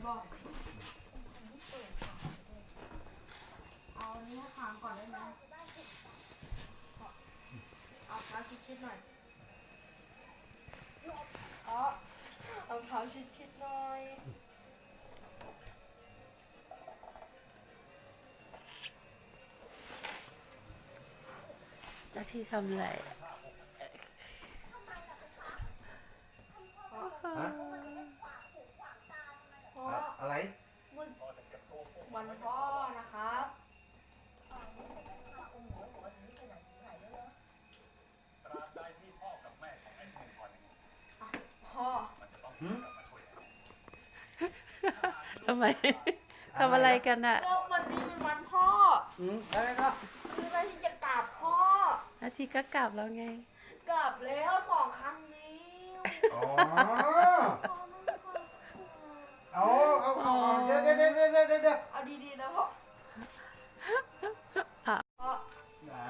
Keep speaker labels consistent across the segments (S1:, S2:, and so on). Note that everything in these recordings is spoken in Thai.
S1: บอกเอาเนี้ยค้างก่อนได้ไหมเอาเท้าชิดๆหน่อยเอาเท้าชิดๆหน่อย
S2: แล้วที่ทำอะไร
S3: อะไร
S1: วันพ่อนะครับพ่อ
S2: ทำไม ทำอะไรกันอ่ะ
S1: ก็วันนี้เป็นวันพ่อ
S3: อะไรก็
S1: คือนาทีจะกราบพ่อ
S2: อาทิตย์ก็กลับแล้วไง
S1: กราบแล้ว2 ครั้งนี้
S3: อ๋อเอาเดี๋ยว
S1: เอาดีๆนะพ่อพ่อ
S3: ยัง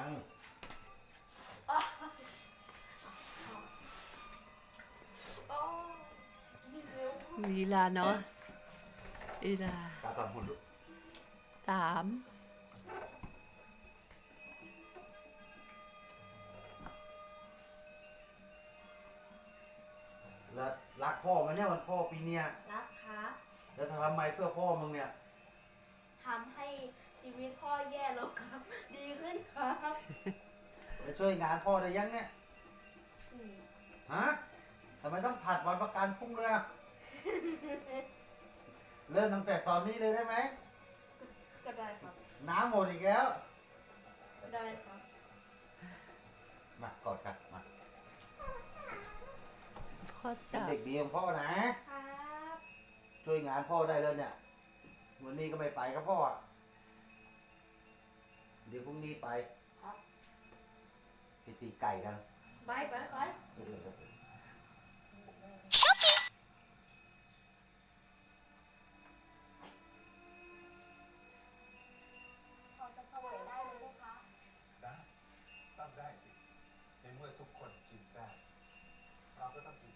S1: นี่เร็ว
S2: ลีลาเนาะลีลา
S3: ตาตอนหุ่นลูก
S2: 3
S3: แล้วรักพ่อมันเนี่ยวันพ่อปีเนี้ย
S1: รักครับ
S3: แล้วทำไมเพื่อพ่อมึงเนี่ย
S1: ทำให้ชีวิตพ่อแย่ลงครับ ดีขึ้นครับ
S3: ไปช่วยงานพ่อได้ยังเนี่ย ฮะทำไมต้องผัดวันประกันพรุ่งเลยอะเริ่มตั้งแต่ตอนนี้เลยได้ไหม
S1: ก็ได้ครับ
S3: น้ำหมดอีกแล้ว
S1: ก็ได้ครับ
S3: มากอดกันมา
S2: พ่อ
S3: เป็น
S2: จับ
S3: เด็กดีของพ่อนะ
S1: ครับ
S3: ช่วยงานพ่อได้แล้วเนี่ย วันนี้ก็ไม่ไปกับพ่ออะเดี๋ยวพรุ่งนี้ไป
S1: ครับ
S3: ไปตีไก่กัน
S1: ไป
S4: ตั้งได้สิในเมื่อทุกคนกินได้เราก็ต้องกิน